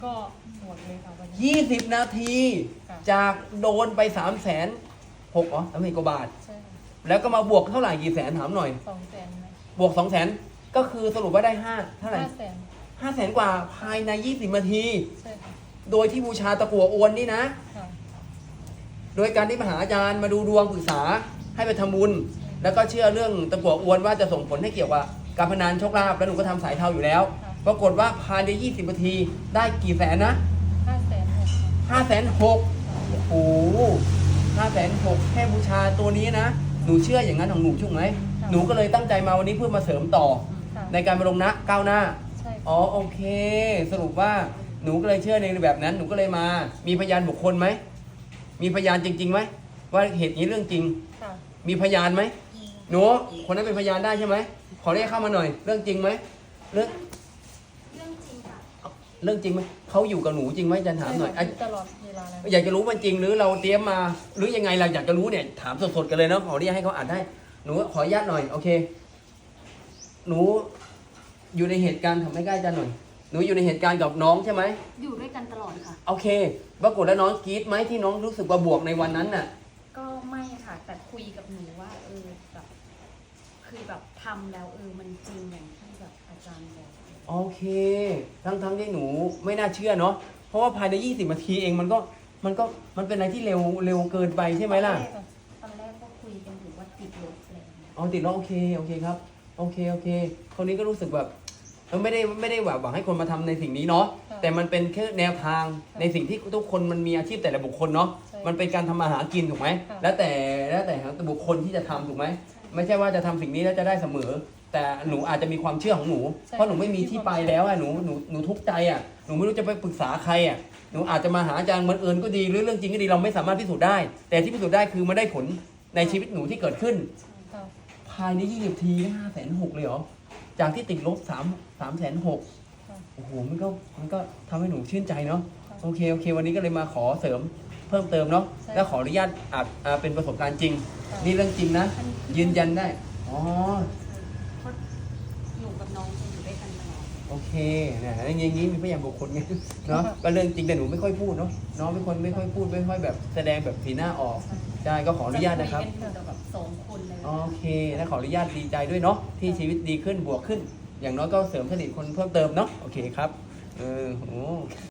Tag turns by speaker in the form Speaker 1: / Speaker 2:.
Speaker 1: ก็หมดเลยค่ะวันนี้
Speaker 2: 20 นาที
Speaker 1: ค่ะ
Speaker 2: จากโดนไป360,000อ๋อ3,000 กว่าบาท
Speaker 1: ใช่ค่ะ
Speaker 2: แล้วก็มาบวกเท่าไหร่กี่แสนถามหน่อย
Speaker 1: 200,000ไหม
Speaker 2: บวก 200,000 ก็คือสรุปว่าได้5เท่าไหร่
Speaker 1: 500,000
Speaker 2: 500,000 กว่าภายใน20 นาที
Speaker 1: ใช่ค่ะ
Speaker 2: โดยที่บูชาตะกั่วอวนนี่นะ
Speaker 1: ค่ะ
Speaker 2: โดยการที่มาหาอาจารย์มาดูดวงปรึกษาให้ไปทำบุญ แล้วก็เชื่อเรื่องตะกั่วอวนว่าจะส่งผลให้เกี่ยวกับการพนันโชคลาภแล้วหนูก็ทำสายเทาอยู่แล้ว ปรากฏว่าภายใน20 นาทีได้กี่แสนนะ
Speaker 1: 500,000
Speaker 2: 560,000 โอ้โห560,000 แค่บูชาตัวนี้นะ หนูเชื่ออย่างนั้นของหนูใช่ไหม หนูก็เลยตั้งใจมาวันนี้เพื่อมาเสริมต่อ
Speaker 1: ค่ะ
Speaker 2: ในการมาลงนะก้าวหน้า
Speaker 1: ใช่
Speaker 2: อ๋อโอเค สรุปว่าหนูก็เลยเชื่อในแบบนั้น หนูก็เลยมา มีพยานบุคคลไหม มีพยานจริงๆไหมว่าเหตุนี้เรื่องจริง
Speaker 1: ค่ะ
Speaker 2: มีพยานไหมหนูคนนั้นเป็นพยานได้ใช่ไหมขอเรียกเข้ามาหน่อย เรื่องจริงไหมเรื่อง
Speaker 3: เรื่องจริงค่ะ
Speaker 2: เรื่องจริงไหมเขาอยู่กับหนูจริงไหมอาจารย์ถามหน่อย
Speaker 1: ใช่ค่ะตลอดเวลาเลย
Speaker 2: อยากจะรู้มันจริงหรือเราเตรียมมา หรือยังไงเราอยากจะรู้เนี่ยถามสดๆกันเลยเนาะขอเรียกให้เขาอ่านได้หนูขออนุญาตหน่อยโอเค หนูอยู่ในเหตุการณ์ทำให้ใกล้อาจารย์หน่อยหนูอยู่ในเหตุการณ์กับน้องใช่ไหม
Speaker 3: อยู่ด้วยกันตลอดค่ะ
Speaker 2: โอเคปรากฏแล้วน้องกรี๊ดไหมที่น้องรู้สึกว่าบวกในวันนั้นน่ะ
Speaker 3: ก็ไม่ค่ะ แต่คุยกับหนูว่าแบบคือแบบทำแล้วมันจริงอย่างที่แบบอาจารย์บอก
Speaker 2: โอเค ทั้งที่หนูไม่น่าเชื่อเนาะเพราะว่าภายใน20 นาทีเองมันเป็นอะไรที่เร็วเกินไปใช่ไหมล่ะ
Speaker 3: ตอนแรกก็คุยกันอยู่ว่าติดลบอะไรอย่างเงี้ย
Speaker 2: อ๋อติดแล้วโอเคครับโอเคคนนี้ก็รู้สึกแบบไม่ได้แบบหวังให้คนมาทำในสิ่งนี้เนาะแต่มันเป็นแค่แนวทางในสิ่งที่ทุกคนมันมีอาชีพแต่ละบุคคลเนาะมันเป็นการทำมาหากินถูกไหมแล้วแต่บุคคลที่จะทำถูกไหมไม่ใช่ว่าจะทำสิ่งนี้แล้วจะได้เสมอ แต่หนูอาจจะมีความเชื่อของหนูเพราะหนูไม่มีที่ไปแล้วอะหนูทุกข์ใจอะหนูไม่รู้จะไปปรึกษาใครอะหนูอาจจะมาหาอาจารย์บังเอิญก็ดีหรือเรื่องจริงก็ดีเราไม่สามารถพิสูจน์ได้ แต่ที่พิสูจน์ได้คือมันได้ผลในชีวิตหนูที่เกิดขึ้น
Speaker 1: ค่ะ
Speaker 2: ภายใน20 นาที560,000เลยเหรอ จากที่ติดลบ360,000
Speaker 1: ค่ะ
Speaker 2: โอ้โห มันก็ทำให้หนูชื่นใจเนาะ
Speaker 1: ค่ะ
Speaker 2: โอเค วันนี้ก็เลยมาขอเสริมเพิ่มเติมเนาะ
Speaker 1: ใช่
Speaker 2: แล้วขออนุญาตเป็นประสบการณ์จริง
Speaker 1: ค่ะ
Speaker 2: นี่เรื่องจริงนะ ยืนยันได้ อ๋อ
Speaker 3: เพราะหนูกับน้องจะอยู่ด้วยกันตลอด
Speaker 2: โอเคเนี่ยอย่างนี้มีพยานบุคคลไง เนาะ ก็เรื่องจริงแต่หนูไม่ค่อยพูดเนาะ น้องเป็นคนไม่ค่อยพูดไม่ค่อยแบบแสดงแบบสีหน้าออก ใช่ ก็ขออนุญาตนะครับ
Speaker 3: จคุยกันอยู่แต่แบบ2 คนเลย
Speaker 2: โอเคและขออนุญาตดีใจด้วยเนาะที่ชีวิตดีขึ้นบวกขึ้น อย่างน้อยก็เสริมสนิทคนเพิ่มเติมเนาะโอเคครับโอ้